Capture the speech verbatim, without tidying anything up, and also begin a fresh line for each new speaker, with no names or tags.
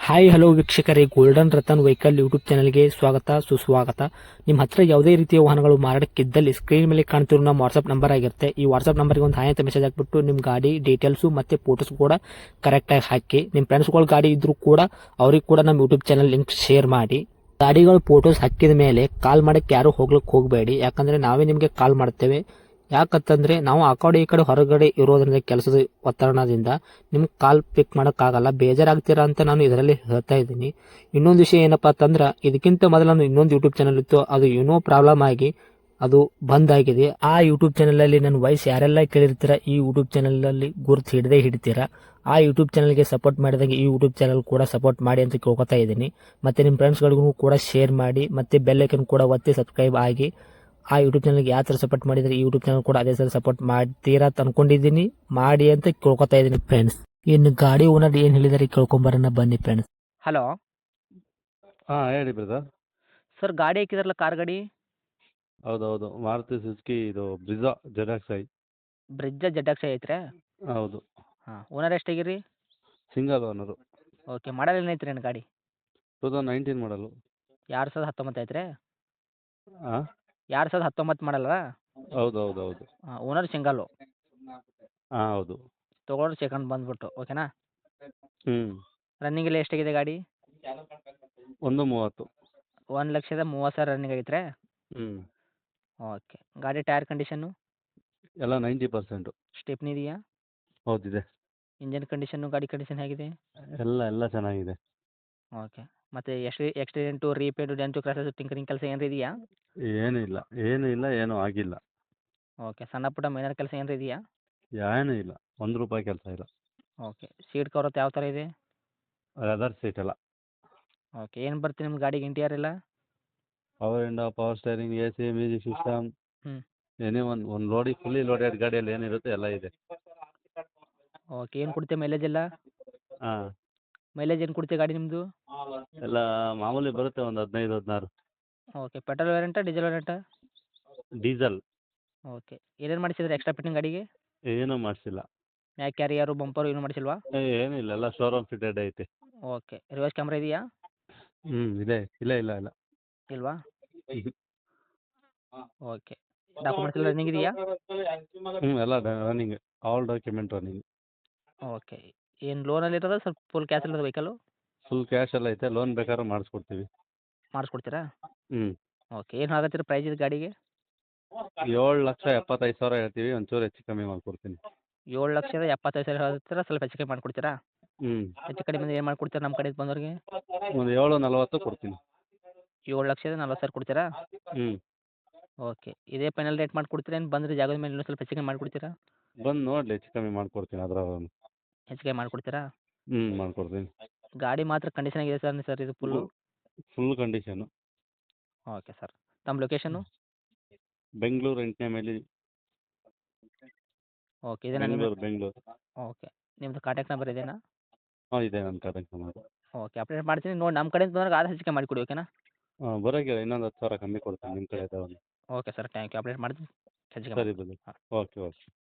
Hi hello ವೀಕ್ಷಕರೇ, golden Ratan vehicle YouTube ಚಾನಲ್ಗೆ ಸ್ವಾಗತ ಸುಸ್ವಾಗತ. ನಿಮ್ಮ ಹತ್ರ ಯಾವುದೇ ರೀತಿಯ ವಾಹನಗಳು ಮಾರಾಟಕ್ಕಿದ್ದಲ್ಲಿ ಸ್ಕ್ರೀನ್ ಮೇಲೆ ಕಾಣ್ತಿರೋ ನಮ್ಮ ವಾಟ್ಸ್ಆಪ್ ನಂಬರ್ ಆಗಿರುತ್ತೆ. ಈ ವಾಟ್ಸ್ಆಪ್ ನಂಬರ್ಗೆ ಒಂದು ಹಾಯ್ ಅಂತ ಮೆಸೇಜ್ ಹಾಕ್ಬಿಟ್ಟು ನಿಮ್ಮ ಗಾಡಿ ಡೀಟೇಲ್ಸು ಮತ್ತೆ ಫೋಟೋಸ್ ಕೂಡ ಕರೆಕ್ಟಾಗಿ ಹಾಕಿ. ನಿಮ್ಮ ಫ್ರೆಂಡ್ಸ್ಗಳ ಗಾಡಿ ಇದ್ರೂ ಕೂಡ ಅವ್ರಿಗೆ ಕೂಡ ನಮ್ಮ ಯೂಟ್ಯೂಬ್ ಚಾನಲ್ ಲಿಂಕ್ ಶೇರ್ ಮಾಡಿ. ಗಾಡಿಗಳು ಫೋಟೋಸ್ ಹಾಕಿದ ಮೇಲೆ ಕಾಲ್ ಮಾಡಕ್ಕೆ ಯಾರು ಹೋಗ್ಲಿಕ್ಕೆ ಹೋಗಬೇಡಿ, ಯಾಕಂದ್ರೆ ನಾವೇ ನಿಮಗೆ ಕಾಲ್ ಮಾಡ್ತೇವೆ. ಯಾಕಂತಂದ್ರೆ ನಾವು ಆ ಕಡೆ ಈ ಕಡೆ ಹೊರಗಡೆ ಇರೋದ್ರಿಂದ ಕೆಲಸದ ಒತ್ತಡದಿಂದ ನಿಮ್ಗೆ ಕಾಲ್ ಪಿಕ್ ಮಾಡೋಕ್ಕಾಗಲ್ಲ, ಬೇಜಾರಾಗ್ತೀರಾ ಅಂತ ನಾನು ಇದರಲ್ಲಿ ಹೇಳ್ತಾ ಇದ್ದೀನಿ. ಇನ್ನೊಂದು ವಿಷಯ ಏನಪ್ಪಾ ಅಂತಂದ್ರೆ, ಇದಕ್ಕಿಂತ ಮೊದಲು ನಾನು ಇನ್ನೊಂದು ಯೂಟ್ಯೂಬ್ ಚಾನಲ್ ಇತ್ತು, ಅದು ಏನೋ ಪ್ರಾಬ್ಲಮ್ ಆಗಿ ಅದು ಬಂದ್ ಆಗಿದೆ. ಆ ಯೂಟ್ಯೂಬ್ ಚಾನಲ್ ಅಲ್ಲಿ ನನ್ನ ವಾಯ್ಸ್ ಯಾರೆಲ್ಲ ಕೇಳಿರ್ತೀರಾ, ಈ ಯೂಟ್ಯೂಬ್ ಚಾನಲ್ ಅಲ್ಲಿ ಗುರುತು ಹಿಡದೆ ಹಿಡಿತೀರಾ. ಆ ಯೂಟ್ಯೂಬ್ ಚಾನಲ್ಗೆ ಸಪೋರ್ಟ್ ಮಾಡಿದಾಗ ಈ ಯೂಟ್ಯೂಬ್ ಚಾನಲ್ ಕೂಡ ಸಪೋರ್ಟ್ ಮಾಡಿ ಅಂತ ಕೇಳ್ಕೊತಾ ಇದ್ದೀನಿ. ಮತ್ತೆ ನಿಮ್ಮ ಫ್ರೆಂಡ್ಸ್ಗಳಿಗೂ ಕೂಡ ಶೇರ್ ಮಾಡಿ, ಮತ್ತೆ ಬೆಲ್ ಐಕನ್ ಕೂಡ ಒತ್ತಿ ಸಬ್ಸ್ಕ್ರೈಬ್ ಆಗಿ. ಆ ಯೂಟ್ಯೂಬ್ ಚಾನಲ್ಗೆ ಯಾವ ಥರ ಸಪೋರ್ಟ್ ಮಾಡಿದ್ರೆ ಈ ಯೂಟ್ಯೂಬ್ ಚಾನಲ್ ಕೂಡ ಅದೇ ಥರ ಸಪೋರ್ಟ್ ಮಾಡ್ತೀರಾ ಅಂತ ಅನ್ಕೊಂಡಿದ್ದೀನಿ. ಮಾಡಿ ಅಂತ ಕೇಳ್ಕೊತಾ ಇದ್ದೀನಿ ಫ್ರೆಂಡ್ಸ್. ಇನ್ನು ಗಾಡಿ ಓನರ್ ಏನು ಹೇಳಿದಾರೆ ಕೇಳ್ಕೊಂಬರೋಣ ಬನ್ನಿ ಫ್ರೆಂಡ್ಸ್.
ಹಲೋ
ಹಾಂ ಹೇಳಿ ಬ್ರದರ್.
ಸರ್, ಗಾಡಿ ಹಾಕಿದಾರಲ್ಲ, ಕಾರ್ ಗಾಡಿ
ಹೌದೌದು, ಮಾರುತಿ ಸುಜುಕಿ ಇದು Brezza Z I.
Brezza Z ಐತ್ರಿ?
ಹೌದು,
ಹಾಂ, ಓನರ್ ಎಷ್ಟಾಗಿರಿ?
Single owner.
ಓಕೆ, ಮಾಡಲ್ ಏನೈತ್ರಿ ನನ್ನ ಗಾಡಿ?
ಟೂ ತೌಸಂಡ್ ನೈನ್ಟೀನ್ ಮಾಡಲು.
ಎರಡು ಸಾವಿರದ ಹತ್ತೊಂಬತ್ತು ಐತ್ರಿ?
ಹಾಂ
ಎರಡು ಸಾವಿರದ ಹತ್ತೊಂಬತ್ತು ಮಾಡಲ್ಲ?
ಹೌದು ಹೌದು ಹೌದು.
ಹಾಂ, ಓನರ್ ಸಿಂಗಲ್ಲು,
ಹಾಂ ಹೌದು.
ತೊಗೊಳೋರು ಸೆಕೆಂಡ್ ಬಂದ್ಬಿಟ್ಟು. ಓಕೆನಾ?
ಹ್ಞೂ
ರನ್ನಿಂಗ್ ಎಲ್ಲ ಎಷ್ಟಾಗಿದೆ ಗಾಡಿ?
ಒಂದು ಮೂವತ್ತು.
ಒಂದು ಲಕ್ಷದ ಮೂವತ್ತು ಸಾವಿರ ರನ್ನಿಂಗ್ ಆಗೈತ್ರಿ?
ಹ್ಞೂ
ಓಕೆ, ಗಾಡಿ ಟೈರ್ ಕಂಡೀಷನ್ನು
ಎಲ್ಲ ನೈಂಟಿ ಪರ್ಸೆಂಟು.
ಸ್ಟೆಪ್ನಿ ಇದೆಯಾ?
ಹೌದಿದೆ.
ಇಂಜನ್ ಕಂಡೀಷನ್ನು, ಗಾಡಿ ಕಂಡೀಷನ್ ಹೇಗಿದೆ?
ಎಲ್ಲ ಎಲ್ಲ ಚೆನ್ನಾಗಿದೆ.
ಓಕೆ, ಮತ್ತು ಎಷ್ಟು accident, repaint, dent, scratches, tinkering ಕೆಲಸ ಏನಾರು ಇದೆಯಾ?
ಏನೂ ಇಲ್ಲ, ಏನೂ ಇಲ್ಲ, ಏನೂ ಆಗಿಲ್ಲ.
ಓಕೆ, ಸಣ್ಣ ಪುಟ್ಟ ಮೈನರ್ ಕೆಲಸ ಏನಾರು ಇದೆಯಾ?
ಏನೂ ಇಲ್ಲ, ಒಂದು ರೂಪಾಯಿ ಕೆಲಸ ಇಲ್ಲ.
ಓಕೆ, ಸೀಟ್ ಕವರ್ ಯಾವ ಥರ ಇದೆ?
ಲೆದರ್ ಸೀಟ್ ಎಲ್ಲ.
ಓಕೆ, ಏನು ಬರ್ತೀವಿ ನಿಮ್ಮ ಗಾಡಿಗೆ ಇಂಟೀರಿಯರ್ ಎಲ್ಲ?
Power window, power steering, A C, music system,
ಹ್ಞೂ
ಏನೇ ಒಂದು ಒಂದು ಲೋಡಿ ಫುಲ್ಲಿ ಲೋಡೆಡ್ ಗಾಡಿಯಲ್ಲಿ ಏನಿರುತ್ತೆ ಎಲ್ಲ ಇದೆ.
ಓಕೆ, ಏನು ಕೊಡುತ್ತೆ ಮೈಲೇಜ್ ಎಲ್ಲ?
ಹಾಂ
ಮೈಲೇಜ್ ಏನು ಕೊಡುತ್ತೆ ಗಾಡಿ ನಿಮ್ಮದು?
ಎಲ್ಲ ಮಾಮೂಲಿ ಬರುತ್ತೆ, ಒಂದು ಹದಿನೈದು ಹದಿನಾರು.
ಓಕೆ, ಪೆಟ್ರೋಲ್ ವೇರಿಯಂಟಾ, ಡೀಸೆಲ್ ವೇರಿಯಂಟಾ?
ಡೀಸೆಲ್.
ಓಕೆ, ಏನೇನು ಮಾಡಿಸಿದ್ರೆ ಎಕ್ಸ್ಟ್ರಾ ಫಿಟ್ಟಿಂಗ್ ಗಾಡಿಗೆ?
ಏನೂ ಮಾಡಿಸಿಲ್ಲ.
ಮ್ಯಾಕ್ ಕ್ಯಾರಿಯರು, ಬಂಪರು ಏನು ಮಾಡಿಸಿಲ್ವಾ?
ಏನಿಲ್ಲ, ಎಲ್ಲ ಶೋರೂಮ್ ಫಿಟೆಡ್ ಐತೆ.
ಓಕೆ, ರಿವರ್ಸ್ ಕ್ಯಾಮ್ರಾ ಇದೆಯಾ?
ಹ್ಞೂ ಇದೆ. ಇಲ್ಲ ಇಲ್ಲ ಇಲ್ಲ.
ಇಲ್ವಾ?
ಹ್ಞೂ
ಓಕೆ, ಡಾಕ್ಯುಮೆಂಟ್ಸ್ ಎಲ್ಲ ರನ್ನಿಂಗ್ ಇದೆಯಾ?
ಹ್ಞೂ ಎಲ್ಲ running, all document running.
Okay, ಏನು ಲೋನಲ್ಲಿ ಇರೋದು ಸ್ವಲ್ಪ ಫುಲ್ ಕ್ಯಾಶ್ ಇರೋದು ವೆಹಿಕಲ್ಲು?
ಫುಲ್ ಕ್ಯಾಶ್ ಎಲ್ಲ ಐತೆ, ಲೋನ್ ಬೇಕಾದ್ರೆ ಮಾಡಿಸ್ಕೊಡ್ತೀವಿ.
ಮಾಡಿಸ್ಕೊಡ್ತೀರಾ?
ಹ್ಞೂ
ಓಕೆ, ಏನು ಆಗತ್ತೀರ ಪ್ರೈಸ್ ಇದು ಗಾಡಿಗೆ?
ಏಳು ಲಕ್ಷ ಎಪ್ಪತ್ತೈದು ಸಾವಿರ ಹೇಳ್ತೀವಿ, ಒಂಚೂರು ಹೆಚ್ಚು ಕಮ್ಮಿ ಮಾಡಿಕೊಡ್ತೀನಿ.
ಏಳು ಲಕ್ಷದ ಎಪ್ಪತ್ತೈದು ಸಾವಿರ ಹೇಳ್ತೀರಾ, ಸ್ವಲ್ಪ ಹೆಚ್ಚು ಕಮ್ಮಿ ಮಾಡಿಕೊಡ್ತೀರಾ?
ಹ್ಞೂ
ಹೆಚ್ಚು ಕಡಿಮೆ ಏನು ಮಾಡಿಕೊಡ್ತೀರಾ ನಮ್ಮ ಕಡೆಯಿಂದ ಬಂದವ್ರಿಗೆ?
ಒಂದು ಏಳು ನಲ್ವತ್ತು ಕೊಡ್ತೀನಿ.
ಏಳು ಲಕ್ಷದ ನಲ್ವತ್ತು ಸಾವಿರ ಕೊಡ್ತೀರಾ?
ಹ್ಞೂ
ಓಕೆ, ಇದೇ ಫೈನಲ್ ರೇಟ್ ಮಾಡಿಕೊಡ್ತೀರಾ, ಏನು ಬಂದರೆ ಜಾಗದ ಮೇಲೆ ಇನ್ನೂ ಸ್ವಲ್ಪ ಹೆಚ್ಚು ಕಮ್ಮಿ ಮಾಡಿಕೊಡ್ತೀರಾ?
ಬಂದು ನೋಡಲಿ, ಹೆಚ್ಚು ಕಮ್ಮಿ ಮಾಡಿಕೊಡ್ತೀನಿ ಅದರ.
ಹೆಚ್ಚು ಕಮ್ಮಿ ಮಾಡಿಕೊಡ್ತೀರಾ?
ಹ್ಞೂ ಮಾಡಿಕೊಡ್ತೀನಿ.
ಗಾಡಿ ಮಾತ್ರ ಕಂಡೀಷನ್ ಆಗಿದೆ ಸರ್ ಸರ್ ಇದು full?
Full condition.
Okay sir, ತಮ್ಮ ಲೊಕೇಶನು?
ಬೆಂಗಳೂರು ಎಂಟನೇ ಮೈಲಿ.
ಓಕೆ, ಇದೇನಾ ನಿಮ್ಮ?
ಬೆಂಗಳೂರು ಬೆಂಗಳೂರು.
ಓಕೆ, ನಿಮ್ಮದು ಕಾಂಟ್ಯಾಕ್ಟ್ ನಂಬರ್ ಇದೇನಾ?
ಹಾಂ ಇದೆ, ನನ್ನ ಕಾಂಟ್ಯಾಕ್ಟ್ ನಂಬರ್.
ಓಕೆ, ಅಪ್ಡೇಟ್ ಮಾಡ್ತೀನಿ ನೋಡಿ, ನಮ್ಮ ಕಡೆಯಿಂದ ಬಂದಾಗ ಆದಷ್ಟು ಹೆಚ್ಚು ಕಮ್ಮಿ ಮಾಡಿಕೊಡಿ. ಓಕೆನಾ?
ಹಾಂ ಬರೋಕೆ ಇನ್ನೊಂದು ಹತ್ತು ಸಾವಿರ ಕಮ್ಮಿ ಕೊಡ್ತೀನಿ ನಿಮ್ಮ ಕಡೆ.
Okay sir, thank you. Update ಮಾಡ್ತೀನಿ, ಹೆಚ್ಚು ಕಮ್ಮಿ
ಸರಿ
ಮಾಡ್ತೀನಿ.
ಬನ್ನಿ.
ಹಾಂ.
Okay okay.